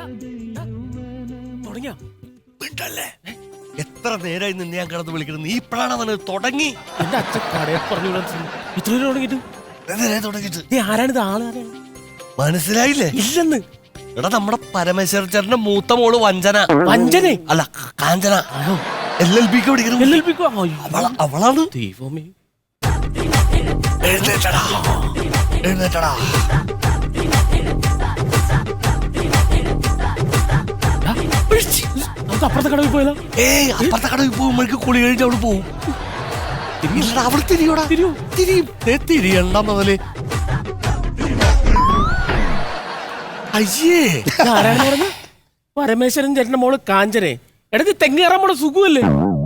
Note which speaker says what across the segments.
Speaker 1: എത്ര നേരമായി നിന്നെ ഞാൻ കിടന്ന് വിളിക്കുന്നത്? നീ ഇപ്പോഴാണ് അവന് തുടങ്ങി.
Speaker 2: എന്റെ അച്ഛൻ കടയെ പറഞ്ഞു ഇത്ര തുടങ്ങിട്ട് നീ ആരാണിത്? ആള്
Speaker 1: മനസ്സിലായില്ലേ?
Speaker 2: ഇല്ലെന്ന്.
Speaker 1: എടാ നമ്മുടെ പരമേശ്വര ചേട്ടന്റെ മൂത്ത മോള് വഞ്ചന.
Speaker 2: വഞ്ചന
Speaker 1: അല്ല കാഞ്ചന. LLBക്ക് പഠിക്കണം. അവളാണ്.
Speaker 2: ദൈവമേ.
Speaker 1: എഴുന്നേറ്റടാ എഴുന്നേറ്റടാ.
Speaker 2: നമുക്ക് അപ്പുറത്തെ കടവിൽ പോയതാ.
Speaker 1: അപ്പുറത്തെ കടവിൽ പോകുമ്പോഴേക്ക് കുളി കഴിഞ്ഞ് അവിടെ പോവും. അവിടെ തിരിയോടാ. തിരിയണ്ട മുതല്. അയ്യേ
Speaker 2: ആരാണെന്ന് പറഞ്ഞു? പരമേശ്വരൻ ചേട്ടന്റെ മോള് കാഞ്ചനെ. എടക്ക് തെങ്ങ് കയറാൻ പോണ സുഖമല്ലേ?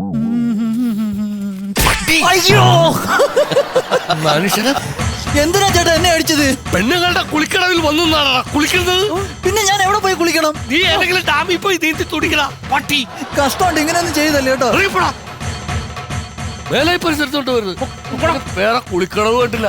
Speaker 1: അയ്യോ മനുഷ്യനെ
Speaker 3: എന്തിനാ ചേട്ടാ എന്നെ അടിച്ചത്?
Speaker 1: പെണ്ണുങ്ങളുടെ കുളിക്കടവിൽ വന്നാണ് കുളിക്കുന്നത്.
Speaker 3: പിന്നെ ഞാൻ എവിടെ പോയി കുളിക്കണം?
Speaker 1: നീ ഏതെങ്കിലും ഡാമിൽ പോയി നീന്തി തുടിക്കടാ പട്ടി.
Speaker 3: കഷ്ടമുണ്ട്, ഇങ്ങനെയൊന്നും ചെയ്തല്ലേ കേട്ടോ.
Speaker 1: വേല പരിസരത്തോട്ട് വരുന്നത് വേറെ കുളിക്കടവ് കേട്ടില്ല.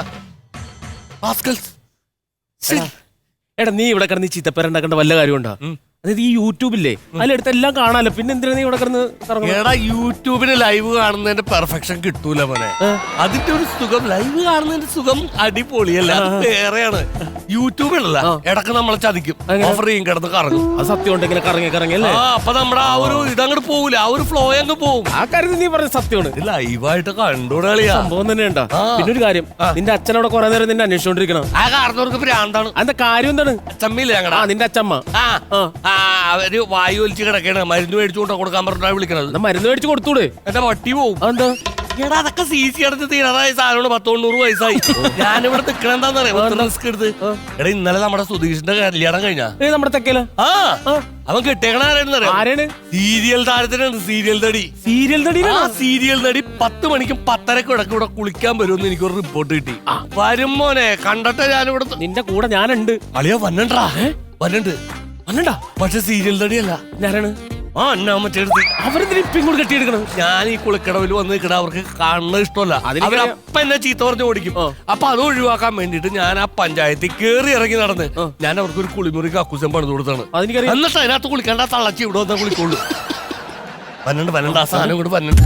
Speaker 2: എടാ നീ ഇവിടെ കിടന്ന് ചീത്തപ്പേരുണ്ടാക്കേണ്ട വല്ല കാര്യമുണ്ടോ? അതായത് ഈ യൂട്യൂബില്ലേ അതിലെടുത്ത് എല്ലാം കാണാലോ. പിന്നെ എന്തിനാ നീ ഇവിടെ കിടന്ന്?
Speaker 1: എടാ യൂട്യൂബിന് ലൈവ് കാണുന്നതിന്റെ പെർഫെക്ഷൻ കിട്ടൂല മോനെ. അതിന്റെ ഒരു സുഖം ലൈവ് കാണുന്നതിന്റെ സുഖം അടിപൊളിയല്ല, വേറെയാണ്. യൂട്യൂബിലല്ല ഇടക്ക് നമ്മളെ ചതിക്കും, ഓഫർ ചെയ്യും, കിടന്ന് കറങ്ങും.
Speaker 2: അത് സത്യം ഉണ്ട്, ഇങ്ങനെ കറങ്ങി കറങ്ങിയല്ലേ.
Speaker 1: അപ്പൊ നമ്മുടെ ആ ഒരു ഇതങ്ങോട്ട് പോകൂല, ആ ഒരു ഫ്ലോ അങ്ങ് പോകും.
Speaker 2: ആ കാര്യത്തിൽ നീ പറഞ്ഞ സത്യമാണ്.
Speaker 1: ലൈവായിട്ട് കണ്ടോളിയാ
Speaker 2: സംഭവം തന്നെ ഉണ്ടോ? പിന്നെ ഒരു കാര്യം, നിന്റെ അച്ഛനോടെ കുറെ നേരം നിന്നെ അന്വേഷിച്ചോണ്ടിരിക്കണം.
Speaker 1: ആ കാരണവർക്ക് ഭ്രാന്താണ്.
Speaker 2: അതിന്റെ കാര്യം എന്താണ്?
Speaker 1: അച്ചമ്മയില്ലേ ഞങ്ങളുടെ?
Speaker 2: നിന്റെ അച്ഛമ്മ
Speaker 1: അവര് വായു വലിച്ച് കിടക്കണ, മരുന്ന് മേടിച്ചുകൊണ്ട് കൊടുക്കാൻ പറഞ്ഞാ വിളിക്കണത്.
Speaker 2: മരുന്ന് മേടിച്ചു കൊടുത്തൂടെ?
Speaker 1: എന്റെ പട്ടി പോവും.
Speaker 2: എന്താ
Speaker 1: എടാ അതൊക്കെ CC അടച്ച് തീരാറായ സാധനമാണ്. 100 വയസ്സായി. ഞാനിവിടെ നിക്കണ എന്താന്നറിയാം, റിസ്ക് എടുത്ത്. എടാ ഇന്നലെ നമ്മുടെ സുധീഷിന്റെ കല്യാണം കഴിഞ്ഞാ
Speaker 2: നമ്മുടെ തെക്കല.
Speaker 1: അവൻ കിട്ടിയേക്കണ ആരാണ്? സീരിയൽ താരത്തിനാണ്. സീരിയൽ നടി.
Speaker 2: സീരിയൽ നടി?
Speaker 1: സീരിയൽ നടി 10 മണിക്കും 10:30ക്കും ഇടയ്ക്ക് ഇവിടെ കുളിക്കാൻ വരുമെന്ന് എനിക്കൊരു റിപ്പോർട്ട് കിട്ടി. വരും മോനെ, കണ്ടിട്ട് ഞാനിവിടെ.
Speaker 2: നിന്റെ കൂടെ ഞാനുണ്ട്.
Speaker 1: അളിയാ വന്നണ്ടാ. വരണ്ട്
Speaker 2: വന്നണ്ടാ.
Speaker 1: പക്ഷെ സീരിയൽ നടിയല്ല.
Speaker 2: ഞാനാണ്.
Speaker 1: മറ്റേടുത്ത്
Speaker 2: അവരെന്തിനും ഇപ്പം ഇങ്ങോട്ട് കെട്ടിയെടുക്കണം.
Speaker 1: ഞാൻ ഈ കുളിക്കടവിൽ വന്ന് നിൽക്കണ അവർക്ക് കാണുന്നത് ഇഷ്ടമല്ല. അവരപ്പ എന്നെ ചീത്ത പറഞ്ഞ് ഓടിക്കും. അപ്പൊ അത് ഒഴിവാക്കാൻ വേണ്ടിട്ട് ഞാൻ ആ പഞ്ചായത്തിൽ കേറി ഇറങ്ങി നടന്ന് ഞാൻ അവർക്ക് ഒരു കുളിമുറി കക്കൂസം പണിത് കൊടുത്താണ്. എന്നിട്ട് അതിനകത്ത് കുളിക്കേണ്ട തള്ളച്ചി ഇവിടെ വന്നാൽ കുളിക്കുള്ളൂ. വന്നണ്ട് ആ സാധനം കൂടെ വന്നണ്ട്.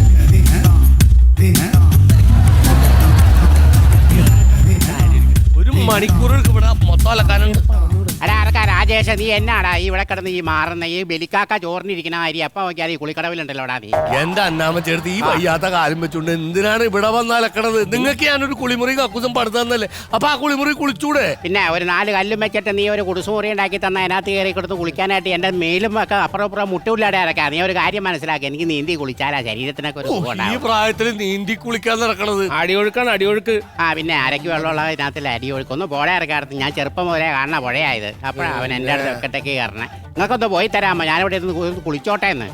Speaker 1: ഒരു മണിക്കൂർ ഇവിടെ മൊത്തം അലക്കാനുണ്ട്.
Speaker 4: രാജേഷ, നീ എന്നാടാ ഇവിടെ കിടന്ന് ഈ മാറുന്ന ഈ ബലിക്കാക്ക ചോറിനിരിക്കുന്ന അരി അപ്പൊ നോക്കിയാൽ ഈ കുളിക്കടവിലുണ്ടല്ലോടാ നീ.
Speaker 1: എന്റെ അന്നാമ ചേർത്ത് ഈ വയ്യാത്ത കാലം വെച്ചോണ്ട് എന്തിനാണ് ഇവിടെ വന്ന് അലക്കണത്? നിങ്ങൾക്ക് ഞാനൊരു കുളിമുറി കക്കൂസം പടുത്തു തന്നല്ലേ, അപ്പൊ ആ കുളിമുറി കുളിച്ചൂടെ?
Speaker 4: പിന്നെ ഒരു 4 കല്ലും വെച്ചിട്ട് നീ ഒരു കുടിസുമുറി ഉണ്ടാക്കി തന്ന അതിനകത്ത് കയറി കൊടുത്ത് കുളിക്കാനായിട്ട് എന്റെ മേലും ഒക്കെ അപ്പുറം മുട്ടൂല്ലാടെ ഇറക്കാം. നീ ഒരു കാര്യം മനസ്സിലാക്കി, എനിക്ക് നീന്തി കുളിച്ചാലാ ശരീരത്തിനൊക്കെ ഒരു
Speaker 1: ഈ പ്രായത്തിൽ നീന്തി കുളിക്കാൻ നടക്കണത്.
Speaker 2: അടിയൊഴുക്കാണ്, അടിയൊഴുക്ക്.
Speaker 4: പിന്നെ അരക്ക് വെള്ളമുള്ള ഇതിനകത്തിൽ അടിയൊഴുക്കൊന്ന് പുഴ ഇറക്കാറുണ്ട്. ഞാൻ ചെറുപ്പം മുതലേ കാണുന്ന പുഴയായത്. അപ്പോഴാണ് അവൻ എൻ്റെ അടുത്ത് ഒക്കത്തേക്ക് കയറണേ. നിങ്ങൾക്കൊന്ന് പോയി തരാമോ? ഞാനിവിടെ ഇരുന്ന് കുളിച്ചോട്ടെ എന്ന്.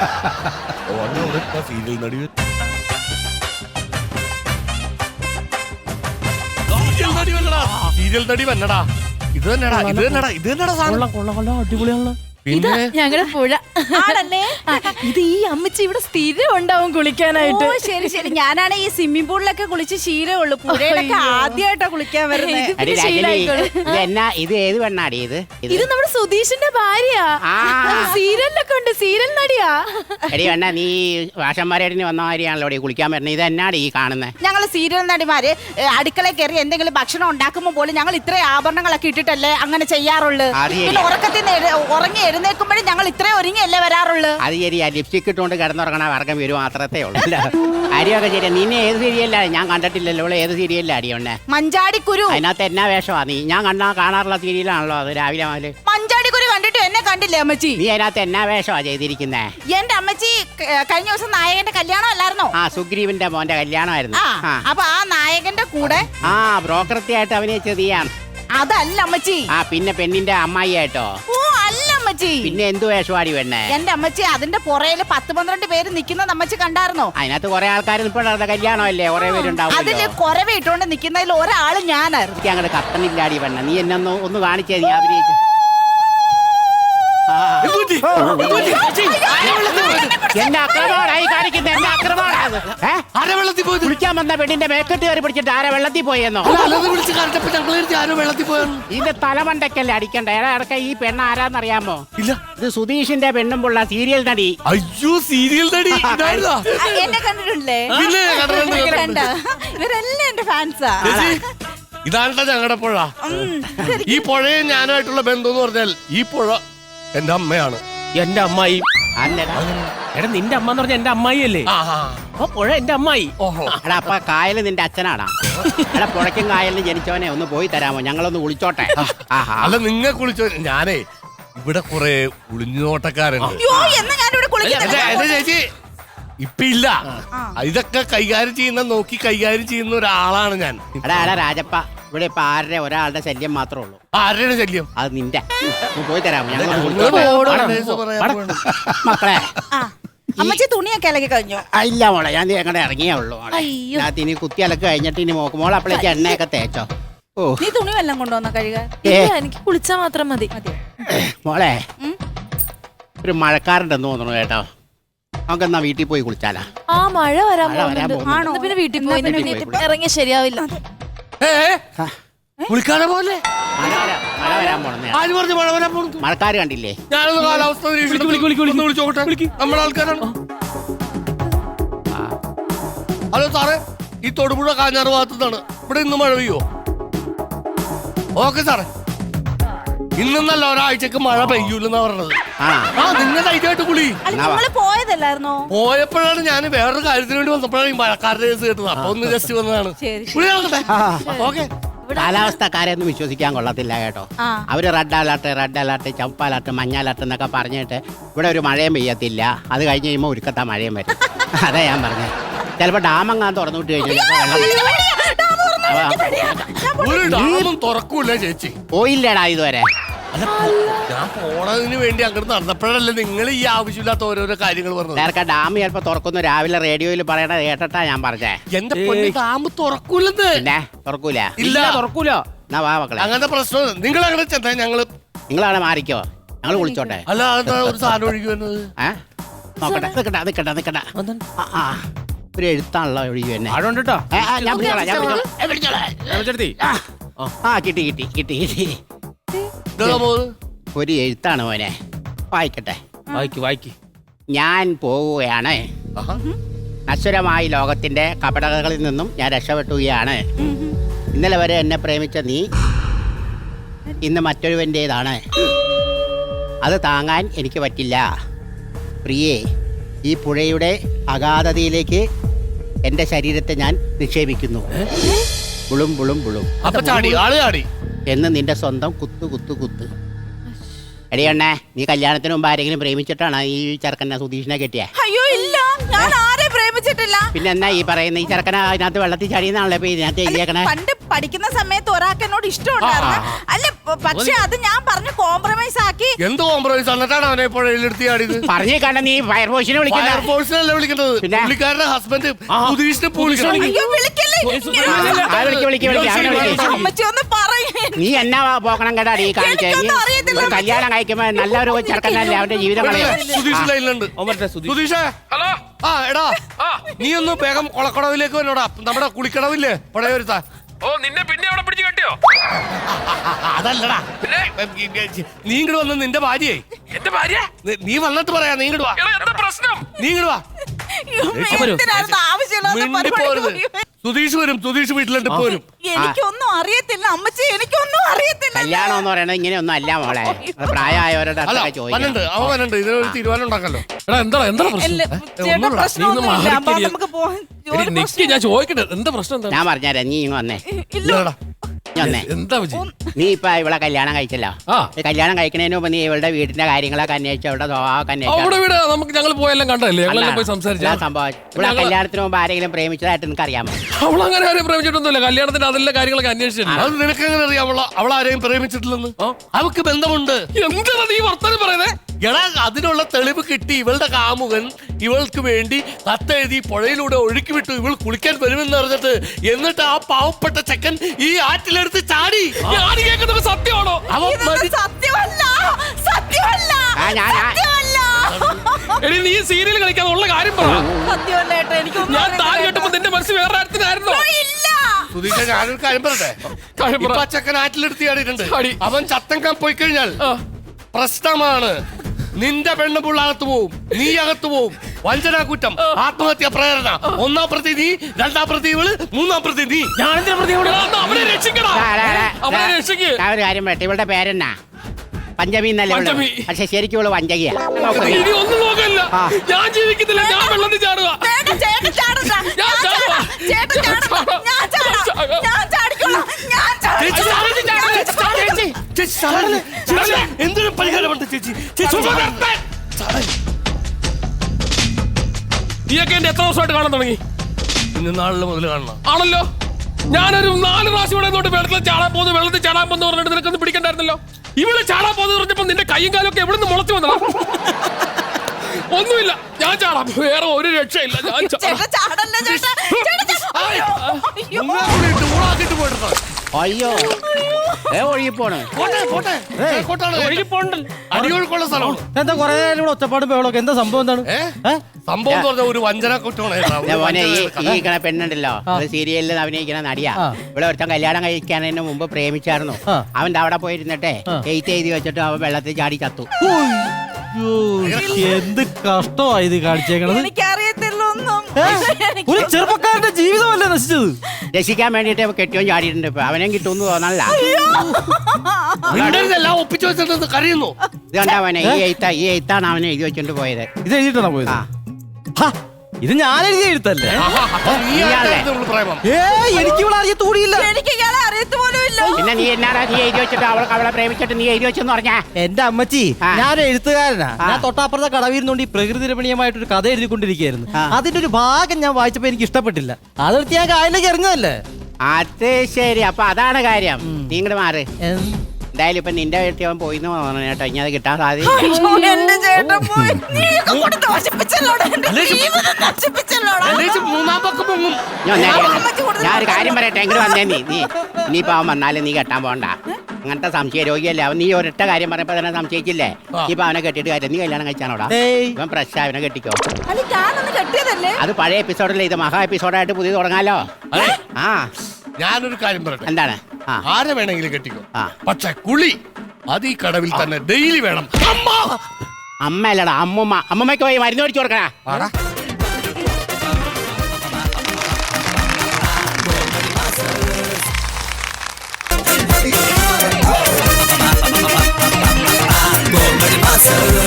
Speaker 1: സീരിയൽ നടി വന്നടാ. ഇത് തന്നെടാ സാധനം.
Speaker 2: അടിപൊളിയാണല്ലോ.
Speaker 5: ഇത് ഞങ്ങളുടെ പുഴ ആണല്ലേ? ഇത് ഈ അമ്മച്ചി ഇവിടെ സ്ഥിരം ഉണ്ടാവും കുളിക്കാനായിട്ട്.
Speaker 6: ശരി ശരി, ഞാനാണ് ഈ സ്വിമ്മിംഗ് പൂളിലൊക്കെ കുളിച്ച് ശീലമുള്ളൂ. പുഴയിലൊക്കെ ആദ്യമായിട്ടാ കുളിക്കാൻ വരുന്നത്.
Speaker 4: ഇത് ഏത് പെണ്ണാടി?
Speaker 5: ഇത് നമ്മുടെ സുധീഷിന്റെ ഭാര്യ. സീരിയലിലൊക്കെ ഉണ്ട്, സീരിയൽ നടിയാ.
Speaker 4: എടി വേണ്ട, നീ വാഷന്മാരേടിന് വന്ന മാതിരിയാണല്ലോ കുളിക്കാൻ വരുന്നത്. ഇത് എന്നാടി ഈ കാണുന്നത്?
Speaker 6: ഞങ്ങള് സീരിയൽ നടിമാര് അടുക്കളയിൽ കയറി എന്തെങ്കിലും ഭക്ഷണം ഉണ്ടാക്കുമ്പോൾ പോലും ഞങ്ങൾ ഇത്രയും ആഭരണങ്ങളൊക്കെ ഇട്ടിട്ടല്ലേ അങ്ങനെ ചെയ്യാറുള്ളൂ. പിന്നെ ഉറക്കത്തിൽ ഉറങ്ങി എഴുന്നേൽക്കുമ്പോഴും ഞങ്ങൾ ഇത്രയും ഒരുങ്ങിയല്ലേ വരാറുള്ളൂ.
Speaker 4: അത് ശരിയാ, ലിപ്സ്റ്റിക് ഇട്ടുകൊണ്ട് കിടന്നുറങ്ങണ വർഗം വരും മാത്രമേ ഉള്ളൂ. അരിയൊക്കെ ശരിയാ. നിന്നെ ഏത് സീരിയലാണ്? ഞാൻ കണ്ടിട്ടില്ലല്ലോ. ഏത് സീരിയലിലാണ് അടിയുണ്ടെ?
Speaker 6: മഞ്ചാടിക്കുരു.
Speaker 4: അതിനകത്ത് എന്നാ വേഷമാ നീ? ഞാൻ കാണാറുള്ള സീരിയലാണല്ലോ അത്. രാവിലെ മുതല്
Speaker 6: മഞ്ചാടിക്കുരു കണ്ടിട്ട് എന്നെ കണ്ടില്ലേ അമ്മച്ചി?
Speaker 4: നീ അതിനകത്ത് എന്നാ വേഷമാ ചെയ്തിരിക്കുന്നേ?
Speaker 6: എന്റെ അമ്മച്ചി കഴിഞ്ഞ ദിവസം നായകന്റെ കല്യാണം അല്ലായിരുന്നോ?
Speaker 4: സുഗ്രീവന്റെ മോന്റെ കല്യാണമായിരുന്നു.
Speaker 6: അപ്പൊ ആ നായകന്റെ കൂടെ
Speaker 4: ബ്രോക്കർത്തിയായിട്ട് അഭിനയിച്ചത് നീയാണ്?
Speaker 6: അതല്ല അമ്മച്ചി.
Speaker 4: പിന്നെ പെണ്ണിന്റെ അമ്മായി ആയിട്ടോ?
Speaker 6: അല്ല അമ്മച്ചി.
Speaker 4: പിന്നെ എന്തു വേഷവാടി പെണ്ണേ?
Speaker 6: എന്റെ അമ്മച്ചി അതിന്റെ പുറയില് 10-12 പേര് നിക്കുന്നത് അമ്മച്ചി കണ്ടായിരുന്നോ?
Speaker 4: അതിനകത്ത് കുറെ ആൾക്കാർ കല്യാണമല്ലേ, കുറെ പേരുണ്ടാവും.
Speaker 6: അതില് കുറവ് ഇട്ടുകൊണ്ട് നിക്കുന്നതിൽ ഒരാള് ഞാനായിരുന്നു.
Speaker 4: അങ്ങോട്ട് കത്തണില്ലാടി പെണ്ണ. നീ എന്നെ ഒന്ന് കാണിച്ചേ, നീ അഭിനയിച്ചു.
Speaker 1: എന്ത് പറ്റി? എന്ത് പറ്റി? ചേച്ചി, ആരാ വെള്ളത്തിൽ പോയത്?
Speaker 4: എന്നെ അക്രമമായി കാണിക്കുന്ന എന്നെ അക്രമമാണ്.
Speaker 1: ആരാ വെള്ളത്തിൽ പോയത്?
Speaker 4: കുളിക്കാൻ വന്ന പെണ്ണിന്റെ മേക്കെട്ട് കയറി പിടിച്ചിട്ട് ആരാ വെള്ളത്തിൽ പോയെന്നോ?
Speaker 1: അല്ല, അല്ലാതെ വിളിച്ച് കറക്റ്റപ്പോ ഞങ്ങൾ കരുതി ആരോ വെള്ളത്തിൽ പോയെന്ന്.
Speaker 4: ഇതിന്റെ തലമണ്ടയ്ക്കല്ലേ അടിക്കണ്ട. ഇടയ്ക്ക് ഈ പെണ്ണ് ആരാന്നറിയാമോ?
Speaker 1: ഇല്ല.
Speaker 4: ഇത് സുധീഷിന്റെ പെണ്ണും പുള്ള സീരിയൽ നടി.
Speaker 1: അയ്യോ, സീരിയൽ നടി ഇതായിരുന്നാ?
Speaker 6: എന്നെ കണ്ടിട്ടില്ലേ?
Speaker 1: പിന്നെ കണ്ടിട്ടുണ്ട്.
Speaker 6: കണ്ട ഇവരെല്ലാം എന്റെ ഫാൻസാ.
Speaker 1: ചേച്ചി, ഇതാണ്ട ഞങ്ങളുടെ പുഴ. ഈ പുഴയെ ഞാനുമായിട്ടുള്ള ബന്ധം എന്ന് പറഞ്ഞാൽ ഈ പുഴ എന്റെ അമ്മയാണ്.
Speaker 2: എന്റെ അമ്മായി.
Speaker 4: അല്ലടാ.
Speaker 2: എടാ നിന്റെ അമ്മ എന്ന് പറഞ്ഞ എന്റെ അമ്മായി അല്ലേ? അപ്പൊ പുഴ എന്റെ അമ്മായി.
Speaker 1: ഓഹോ.
Speaker 4: എടാ അപ്പൊ കായൽ നിന്റെ അച്ഛനാടാ. എടാ പുഴയ്ക്കും കായലിന് ജനിച്ചവനെ ഒന്ന് പോയി തരാമോ? ഞങ്ങളൊന്ന് കുളിച്ചോട്ടെ. ആഹാ.
Speaker 1: അല്ല, നിങ്ങൾ കുളിച്ചോ? ഞാനേ ഇവിടെ കുറെ കുളിഞ്ഞോട്ടക്കാരുണ്ട്.
Speaker 6: അയ്യോ എന്നാ ഞാനിവിടെ കുളിക്കുന്നില്ല.
Speaker 1: എന്റെ ചേച്ചി ഇപ്പൊ ഇല്ല. ഇതൊക്കെ കൈകാര്യം ചെയ്യുന്ന നോക്കി കൈകാര്യം ചെയ്യുന്ന ഒരാളാണ് ഞാൻ.
Speaker 4: എടാ രാജപ്പ, ഇവിടെ ഇപ്പൊ ആരുടെ ഒരാളുടെ ശല്യം മാത്രമേ ഉള്ളൂ.
Speaker 1: ആരുടെ ശല്യം?
Speaker 4: അത് നിന്റെ. ഒന്ന് പോയി തരാമോ? ഞങ്ങൾ മക്കളെ.
Speaker 6: അമ്മച്ചി തുണിയൊക്കെ അലക്കി കഴിഞ്ഞു.
Speaker 4: ഇല്ല മോളെ, ഞാൻ എങ്ങനെ ഇറങ്ങിയേ ഉള്ളൂ.
Speaker 6: അയ്യോ.
Speaker 4: ഞാൻ ഇനി കുത്തി അലക്ക് കഴിഞ്ഞിട്ട് ഇനി മോളെ അപ്പോഴേക്ക് എണ്ണയൊക്കെ തേച്ചോ. ഓ
Speaker 6: നീ തുണി വല്ലതും കൊണ്ടുവന്ന കഴുകാൻ?
Speaker 5: എനിക്ക് കുളിച്ചാ മാത്രം മതി.
Speaker 4: മോളെ, ഒരു മഴക്കാറുണ്ടെന്ന് തോന്നുന്നു കേട്ടോ. നമുക്ക് എന്നാ വീട്ടിൽ പോയി കുളിച്ചാലാ?
Speaker 5: ആ മഴ വരാൻ
Speaker 4: മഴ വരാൻ
Speaker 5: പോകുന്നുണ്ട്.
Speaker 4: പോകുന്നുണ്ട്.
Speaker 5: എന്നാ പിന്നെ വീട്ടിൽ പോയി.
Speaker 4: പിന്നെ
Speaker 5: പിന്നെ
Speaker 4: വീട്ടിൽ
Speaker 5: ഇറങ്ങിയ ശരിയാവില്ല.
Speaker 1: കുളിക്കാതെ പോലെ
Speaker 4: മഴ വരാൻ പോണെന്ന്.
Speaker 1: ആര് പറഞ്ഞു മഴ വരാൻ പോകുന്നു?
Speaker 4: മഴക്കാര് കണ്ടില്ലേ?
Speaker 1: ഞാനൊന്ന് കാലാവസ്ഥ വിളിച്ചോട്ടെ. നമ്മളെ ആൾക്കാരാണ്. ഹലോ സാറേ, ഈ തൊടുപുഴ കാഞ്ഞാറ് ഭാഗത്തുനിന്നാണ്. ഇവിടെ ഇന്ന് മഴ പെയ്യോ? ഓക്കെ സാറേ. ഇന്നല്ല ഒരാഴ്ചക്ക് മഴ പെയ്യൂലെന്നാ പറഞ്ഞത്. നിങ്ങൾ ധൈര്യമായിട്ട് കുളി.
Speaker 6: നിങ്ങള് പോയതല്ലായിരുന്നോ?
Speaker 1: പോയപ്പോഴാണ് ഞാൻ വേറൊരു കാര്യത്തിന് വേണ്ടി വന്നപ്പോഴാണ് ഈ മഴക്കാരുടെ കേസ് കേട്ടത്. അപ്പൊ ഒന്ന് ജസ്റ്റ് വന്നതാണ്. കുളി നടക്കട്ടെ. ഓക്കെ.
Speaker 4: കാലാവസ്ഥക്കാരെയൊന്നും വിശ്വസിക്കാൻ കൊള്ളത്തില്ല കേട്ടോ. അവര് റെഡ് അലർട്ട് ചുവപ്പ് അലർട്ട് മഞ്ഞ അലർട്ട് എന്നൊക്കെ പറഞ്ഞിട്ട് ഇവിടെ ഒരു മഴയും പെയ്യത്തില്ല. അത് കഴിഞ്ഞ് കഴിയുമ്പോൾ ഒരുക്കത്താ മഴയും വരും. അതാ ഞാൻ പറഞ്ഞത്. ചിലപ്പോ ഡാമങ്ങാൻ തുറന്നു വിട്ട് കഴിഞ്ഞാൽ
Speaker 1: ഒരു ഡാമും തുറക്കൂല ചേച്ചി.
Speaker 4: പോയില്ലേടാ ഇതുവരെ?
Speaker 1: ഞാൻ പോണതിന് വേണ്ടി അങ്ങോട്ട് നടന്നപ്പോഴല്ലേ നിങ്ങൾ ഈ ആവശ്യമില്ലാത്ത ഓരോരോ കാര്യങ്ങൾ പറഞ്ഞത്.
Speaker 4: നേരത്തെ ഡാം ചിലപ്പോ തുറക്കുന്നു. രാവിലെ റേഡിയോയിൽ പറയണത് കേട്ടിട്ടാ ഞാൻ പറഞ്ഞേ.
Speaker 1: എന്റെ പൊന്നു, ഡാം തുറക്കൂലെന്ന്.
Speaker 4: പിന്നെ തുറക്കൂല?
Speaker 1: ഇല്ല,
Speaker 2: തുറക്കൂലോ?
Speaker 4: എന്നാ വാ മക്കളെ.
Speaker 1: അങ്ങനത്തെ പ്രശ്നം നിങ്ങൾ അങ്ങനെ ചെന്നാ ഞങ്ങള്
Speaker 4: നിങ്ങളവിടെ മാറിക്കോ, ഞങ്ങൾ വിളിച്ചോട്ടെ.
Speaker 1: അല്ല, അതെന്താ ഒരു സാധനം ഒഴുകി വരുന്നത്?
Speaker 4: നോക്കട്ടെ, നിക്കട്ടെ. ഒരു എഴുത്താണല്ലോ ഒഴുകി തന്നെ.
Speaker 2: ആഴമുണ്ട് കേട്ടോ.
Speaker 4: ഞാൻ വിളിച്ചോളാം. കിട്ടി.
Speaker 1: ഇതാ പോകുന്നത്.
Speaker 4: ഒരു എഴുത്താണ് മോനെ, വായിക്കട്ടെ.
Speaker 2: വായിക്ക്.
Speaker 4: ഞാൻ പോവുകയാണ്. നശ്വരമായ ലോകത്തിന്റെ കപടതകളിൽ നിന്നും ഞാൻ രക്ഷപ്പെട്ടുകയാണ്. ഇന്നലെ വരെ എന്നെ പ്രേമിച്ച നീ ഇന്ന് മറ്റൊരുവൻ്റേതാണ്. അത് താങ്ങാൻ എനിക്ക് പറ്റില്ല. പ്രിയേ, ഈ പുഴയുടെ അഗാധതയിലേക്ക് എൻ്റെ ശരീരത്തെ ഞാൻ നിക്ഷേപിക്കുന്നു. ബുളും ബുളും ബുളും
Speaker 1: അപ്പൊ ചാടി, ആള് ചാടി.
Speaker 4: എന്ന് നിന്റെ സ്വന്തം കുത്ത്. എടിയണ്ണേ, നീ കല്യാണത്തിന് മുമ്പ് ആരെങ്കിലും പ്രേമിച്ചിട്ടാണ് ഈ ചെറുക്കനെ സുധീഷിനെ കെട്ടിയേ?
Speaker 6: അയ്യോ ഇല്ല, ഞാൻ ആരെ പ്രേമിച്ചിട്ടില്ല.
Speaker 4: പിന്നെ എന്നാ ഈ പറയുന്ന ഈ ചെറുക്കനെ അതിനകത്ത് വെള്ളത്തിൽ ചാടിയെന്നാണല്ലോ ഇപ്പൊ ഇതിനകത്ത് എഴുതിയേക്കണേ.
Speaker 6: പണ്ട് പഠിക്കുന്ന സമയത്ത് ഒരാൾക്ക് എന്നോട് ഇഷ്ടമുണ്ടായിരുന്നു. അല്ല പക്ഷെ അത് ഞാൻ പറഞ്ഞു കോംപ്രമൈസ് ആക്കി.
Speaker 1: എന്ത് കോംപ്രമൈസ്? എന്നിട്ടാണ് അവനെ പുഴയിലെടുത്ത് ചാടിയത്.
Speaker 4: പറഞ്ഞേ കണ്ട നീ ഫയർഫോഴ്സിനെ വിളിക്കുന്നത്.
Speaker 1: ഫയർഫോഴ്സിനല്ല വിളിക്കുന്നത്,
Speaker 4: പിന്നെ?
Speaker 1: പുള്ളിക്കാരുടെ ഹസ്ബൻഡ് സുധീഷിനെ വിളിക്കണം.
Speaker 6: അയ്യോ വിളിക്കല്ലേ. അമ്മച്ചി ഒന്ന് പറയേ.
Speaker 4: നീ എന്നാ പോകണം കേട്ടാ നീ കാണിച്ചേ. ഒരു കല്യാണം കഴിക്കുമ്പോ നല്ലൊരു ചെറുക്കനല്ലേ അവന്റെ ജീവിതം കളയും.
Speaker 1: സുധീഷ് ലൈനിലുണ്ട്. സുധീഷേ, ഹലോ. എടാ, നീ ഒന്ന് വേഗം കൊളക്കടവിലേക്ക് വന്നോടാ. നമ്മുടെ കുളിക്കടവില്ലേ പുഴയൊരുത്താ.
Speaker 7: ഓ, നിന്നെ പിന്നെ അവിടെ പിടിച്ചു കെട്ടിയോ?
Speaker 1: അതല്ലടാ, നീ ഇങ്ങോട്ട് വന്ന് നിന്റെ ഭാര്യയെ.
Speaker 7: എന്റെ ഭാര്യ?
Speaker 1: നീ വന്നിട്ട് പറയാ. നീ ഇങ്ങോട്ട് വാ.
Speaker 7: എന്താ പ്രശ്നം?
Speaker 1: നീ ഇങ്ങോട്ട് വാ. മിണ്ടിപ്പോരുത്. സുധീഷ് വരും. സുധീഷ് വീട്ടിലുണ്ട് പോരും.
Speaker 6: എനിക്കൊന്നും അറിയത്തില്ല അമ്മച്ചി, എനിക്കൊന്നും അറിയത്തില്ല.
Speaker 4: കല്യാണം എന്ന് പറയുന്നത് ഇങ്ങനെയൊന്നും അല്ല മോളെ. പ്രായമായവരുടെ
Speaker 1: അല്ല,
Speaker 4: അടുത്തൊക്കെ ചോദിക്കണം.
Speaker 1: വന്നുണ്ട്, അവൻ വന്നുണ്ട്. ഇതിനൊരു തീരുമാനം ഉണ്ടാക്കല്ലോ.
Speaker 6: നമുക്ക് പോവാൻ.
Speaker 2: ഞാൻ ചോദിക്കട്ടെ, എന്താ പ്രശ്നം? എന്താ?
Speaker 4: ഞാൻ പറഞ്ഞുതരാം, നീ ഇങ്ങ് വന്നേ.
Speaker 1: ഇല്ലടാ.
Speaker 4: നീ വന്നേ.
Speaker 2: എന്താ പറ്റി?
Speaker 4: നീ ഇപ്പൊ ഇവളെ കല്യാണം കഴിച്ചല്ലോ. ഈ കല്യാണം കഴിക്കുന്നതിന് മുമ്പ് നീ ഇവളുടെ വീടിന്റെ കാര്യങ്ങളൊക്കെ അന്വേഷിച്ചു, അവളുടെ സ്വഭാവമൊക്കെ
Speaker 2: അവിടെ വീട് നമുക്ക് ഞങ്ങൾ പോയെല്ലാം കണ്ടല്ലേ, ഞങ്ങളെല്ലാം പോയി സംസാരിച്ചു.
Speaker 4: സംഭവം ഇവിടെ കല്യാണത്തിന് മുമ്പ് ആരെങ്കിലും പ്രേമിച്ചതായിട്ട് നിനക്ക് അറിയാമോ?
Speaker 2: അവളങ്ങനെ ആരെയും പ്രേമിച്ചിട്ടൊന്നുമില്ല. കല്യാണത്തിന്റെ അതിലെ കാര്യങ്ങളൊക്കെ അന്വേഷിച്ചിട്ടുണ്ട്.
Speaker 1: അത് നിനക്ക് എങ്ങനെ അറിയാമുള്ള? അവളാരെയും പ്രേമിച്ചിട്ടില്ലെന്ന്. അവൾക്ക് ബന്ധമുണ്ട്.
Speaker 2: എന്താ നീ വർത്താനം പറയുന്നേ?
Speaker 1: എടാ, അതിനുള്ള തെളിവ് കിട്ടി. ഇവളുടെ കാമുകൻ ഇവൾക്ക് വേണ്ടി കത്തെഴുതി പുഴയിലൂടെ ഒഴുക്കി വിട്ടു. ഇവൾ കുളിക്കാൻ വരുമെന്ന് പറഞ്ഞിട്ട്, എന്നിട്ട് ആ പാവപ്പെട്ട ചെക്കൻ ഈ ആറ്റിലെടുത്ത് ചാടി.
Speaker 2: സത്യമാണോ?
Speaker 6: സത്യമല്ല.
Speaker 2: എടി നീ സീരിയൽ കളിക്കാതെ ഉള്ള കാര്യം പറ.
Speaker 6: സത്യമല്ല ഏട്ടാ, എനിക്കൊന്നും
Speaker 2: ഞാൻ താഴെ
Speaker 6: അറിയത്തില്ല
Speaker 2: കേട്ടപ്പോ നിന്റെ മനസ്സ് വേറെ കാര്യത്തിനായിരുന്നോ?
Speaker 6: ഏട്ടാ. ഇല്ല.
Speaker 1: സുധീഷ ഞാനൊരു കാര്യം പറയട്ടെ.
Speaker 2: കാര്യം പറ.
Speaker 1: ഇപ്പൊ ആ ചെക്കൻ ആറ്റിലെടുത്ത് ചാടിയിട്ടുണ്ട്.
Speaker 2: ചാടി.
Speaker 1: അവൻ ചത്തങ്കാൻ പോയി കഴിഞ്ഞാൽ
Speaker 2: ആ.
Speaker 1: പ്രശ്നമാണ്. നിന്റെ പെണ്ണു പുള്ള അകത്ത് പോവും, നീ അകത്ത് പോവും. വഞ്ചനാ കുറ്റം, ആത്മഹത്യ പ്രേരണ. ഒന്നാം പ്രതി നീ, രണ്ടാം പ്രതി ഇവള്, മൂന്നാം പ്രതി നീ.
Speaker 2: ഞാനെന്തിനാ പ്രതി ഇവിടെ? അവനെ രക്ഷിക്കടാ. അവനെ രക്ഷിക്ക്.
Speaker 4: ഞാൻ ഒരു കാര്യം പറയട്ടെ, ഇവളുടെ പേരെന്നാ? പഞ്ചമി എന്നല്ലേ ഇവള്?
Speaker 2: പഞ്ചമി.
Speaker 4: പക്ഷെ ശരിക്കും ഇവള് വഞ്ചകിയാ.
Speaker 2: ഇനി ഒന്നും നോക്കല്ല.
Speaker 4: ആ.
Speaker 2: ഞാൻ ജീവിക്കുന്നില്ല, ഞാൻ വെള്ളത്തിൽ ചാടുക.
Speaker 6: ചേട്ടാ, ചേട്ടൻ ചാടണ്ട.
Speaker 2: ഞാൻ
Speaker 6: ഞാൻ
Speaker 2: ചാടുക.
Speaker 6: ചാടാം. ചേട്ടൻ ചാടണ്ട. ഞാൻ ചാടാം. ഞാൻ ചാടിക്കോളാം. ഞാൻ
Speaker 1: ചേച്ചി,
Speaker 6: ചാടാം.
Speaker 1: ചാടല്ലേ, ചാടല്ലേ, ചാടല്ലേ. ചേച്ചി, ചാടല്ലേ. ചേച്ചി, എന്തൊരു പരിഹാരമുണ്ട് ചേച്ചി. ചേച്ചി, ചാടല്ലേ.
Speaker 2: നീയൊക്കെ എന്റെ എത്ര ദിവസമായിട്ട് കാണാൻ തുടങ്ങി?
Speaker 1: ഇന്ന് നാളില് മുതൽ കാണണം.
Speaker 2: ആണല്ലോ. ഞാനൊരു 4 പ്രാവശ്യം ഇവിടെ നിന്നോട്ട് വെള്ളത്തിൽ ചാടാൻ പോകുന്നു പറഞ്ഞിട്ട് നിനക്കൊന്നും പിടിക്കണ്ടായിരുന്നല്ലോ. ഇവിടെ ചാടാൻ പോകുന്ന പറഞ്ഞപ്പോ നിന്റെ കൈയും കാലും ഒക്കെ എവിടെ നിന്ന് മുളച്ചു വന്നതാ? ഒന്നുമില്ല, ഞാൻ ചാടാം. വേറെ ഒരു രക്ഷയില്ല, ഞാൻ ചാടാം.
Speaker 6: ചേട്ടാ, ചാടല്ലേ, ചേട്ടാ. ചേട്ടാ, അയ്യോ. അയ്യോ.
Speaker 1: നിങ്ങളെ കൂടി ഇട്ട് ഊളാക്കിയിട്ട് പോയിട്ടോ.
Speaker 4: അയ്യോ ഒഴുകിപ്പോണ്.
Speaker 1: പോട്ടെ, പോട്ടെ. കോട്ടാണ്
Speaker 2: ഒഴുകിപ്പോണ്ടല്ലോ.
Speaker 1: അടിയൊഴുക്കുള്ള സ്ഥലമാണ്.
Speaker 3: എന്താ കൊറേ നേരം ഇവിടെ ഒച്ചപ്പാടും ബഹളമൊക്കെ? എന്താ സംഭവം എന്താണ്?
Speaker 1: സംഭവം എന്ന് പറഞ്ഞാൽ ഒരു വഞ്ചന കുറ്റമാണ് കേട്ടോ. ഒരു
Speaker 4: മോനെ ഈ
Speaker 1: വഞ്ചന
Speaker 4: ഈ ഇങ്ങനെ പെണ്ണുണ്ടല്ലോ, ഒരു സീരിയലിൽ അഭിനയിക്കുന്ന നടിയാ. ഇവിടെ ഒരുത്തൻ കല്യാണം കഴിക്കാനതിന് മുമ്പ് പ്രേമിച്ചായിരുന്നു. അവന്റെ അവിടെ പോയിരുന്നിട്ടെ എയ്റ്റ് എഴുതി വെച്ചിട്ട് അവൻ വെള്ളത്തിൽ ചാടി ചത്തു.
Speaker 3: എന്ത് കഷ്ടമായി ഇത് കാണിച്ചേക്കണത്.
Speaker 6: എനിക്കറിയത്തില്ല ഒന്നും.
Speaker 3: ഒരു ചെറുപ്പക്കാരന്റെ ജീവിതമല്ലേ നശിച്ചത്.
Speaker 4: രക്ഷിക്കാൻ വേണ്ടിട്ട് കെട്ടിയോൻ ചാടിയിട്ടുണ്ട്. ഇപ്പൊ അവനെയും കിട്ടുമെന്ന് തോന്നല്ല.
Speaker 1: മിണ്ടരുതെല്ലാം ഒപ്പിച്ചു വെച്ചിട്ട് കരയുന്നു.
Speaker 4: ഇത് കണ്ടാ മോനെ, ഈ എയ്ത്താണ് അവനെ എഴുതി വെച്ചോണ്ട് പോയത്.
Speaker 3: ഇത് എഴുതിട്ടാണോ പോയത്?
Speaker 4: ആ.
Speaker 3: ഹാ, ഇത് ഞാൻ എഴുതി എഴുത്തല്ലേ?
Speaker 1: ആഹാ, അപ്പൊ നീ ആയിട്ടായിരുന്നു ഇവള് പ്രേമം.
Speaker 3: എനിക്ക് ഇവിടെ അറിയത്തൂടിയില്ല.
Speaker 6: എനിക്ക് ഇയാളെ അറിയത്ത് പോലും ഇല്ല.
Speaker 4: പിന്നെ നീ എന്നാടാ നീ എഴുതി വെച്ചിട്ട് അവളെ പ്രേമിച്ചിട്ട് നീ എഴുതി വെച്ചെന്ന് പറഞ്ഞാ?
Speaker 3: എന്റെ അമ്മച്ചി,
Speaker 4: ആ.
Speaker 3: ഞാൻ എഴുത്തുകാരനാ.
Speaker 4: ആ.
Speaker 3: ഞാൻ തൊട്ടാപ്പുറത്തെ കടവിരുന്നോണ്ട് ഈ പ്രകൃതി രമണീയമായിട്ടൊരു കഥ എഴുതിക്കൊണ്ടിരിക്കുകയായിരുന്നു.
Speaker 4: ആ.
Speaker 3: അതിന്റെ ഒരു ഭാഗം ഞാൻ വായിച്ചപ്പോ എനിക്ക് ഇഷ്ടപ്പെട്ടില്ല. അതെടുത്ത് ഞാൻ കായലിലേക്ക് എറിഞ്ഞതല്ലേ.
Speaker 4: അത് ശരി, അപ്പൊ അതാണ് കാര്യം. നീ ഇങ്ങോട്ട് മാറ്. എന്തായാലും ഇപ്പൊ നിന്റെ വീട്ടിൽ അവൻ പോയിന്ന് പറഞ്ഞു കേട്ടോ. ഇനി അത് കിട്ടാൻ സാധ്യത.
Speaker 6: അയ്യോ, എന്റെ ചേട്ടൻ പോയി. നീയൊക്കെ കൂടി നശിപ്പിച്ചല്ലോടാ. എന്റെ ജീവിതം നശിപ്പിച്ചല്ലോടാ.
Speaker 1: മൂന്നാം പക്കം പൊങ്ങും.
Speaker 4: ഞാനൊരു കാര്യം പറയട്ടെ, എങ്ങനെ വന്നേ നീ ഇനിയിപ്പോ അവൻ വന്നാലും നീ കെട്ടാൻ പോകണ്ട. അങ്ങനത്തെ സംശയ രോഗിയല്ലേ അവൻ. നീ ഒരൊറ്റ കാര്യം പറഞ്ഞപ്പോ തന്നെ സംശയിച്ചില്ലേ? ഇപ്പൊ അവനെ കെട്ടിയിട്ട് കാര്യം. നീ കല്യാണം കഴിച്ചാണോടാ? ഇവൻ ഫ്രഷ് അവനെ കെട്ടിക്കോ.
Speaker 6: അല്ല, ഞാനൊന്ന് കെട്ടിയതല്ലേ.
Speaker 4: അത് പഴയ എപ്പിസോഡല്ലേ, ഇത് മഹാ എപ്പിസോഡായിട്ട് പുതിയ തുടങ്ങാലോ.
Speaker 1: അതെ,
Speaker 4: ആ
Speaker 1: ഞാനൊരു കാര്യം പറയട്ടെ.
Speaker 4: എന്താണ്? ആ
Speaker 1: ആരെ വേണമെങ്കിലും കെട്ടിക്കോ.
Speaker 4: ആ.
Speaker 1: പക്ഷെ കുളി അത് ഈ കടവിൽ തന്നെ ഡെയിലി വേണം. അമ്മ
Speaker 4: അമ്മ അല്ലടാ, അമ്മുമ്മ. അമ്മമ്മയ്ക്ക് പോയി മരുന്ന് മേടിച്ചു കൊടുക്കണ.
Speaker 1: ആടാ.
Speaker 8: Gol,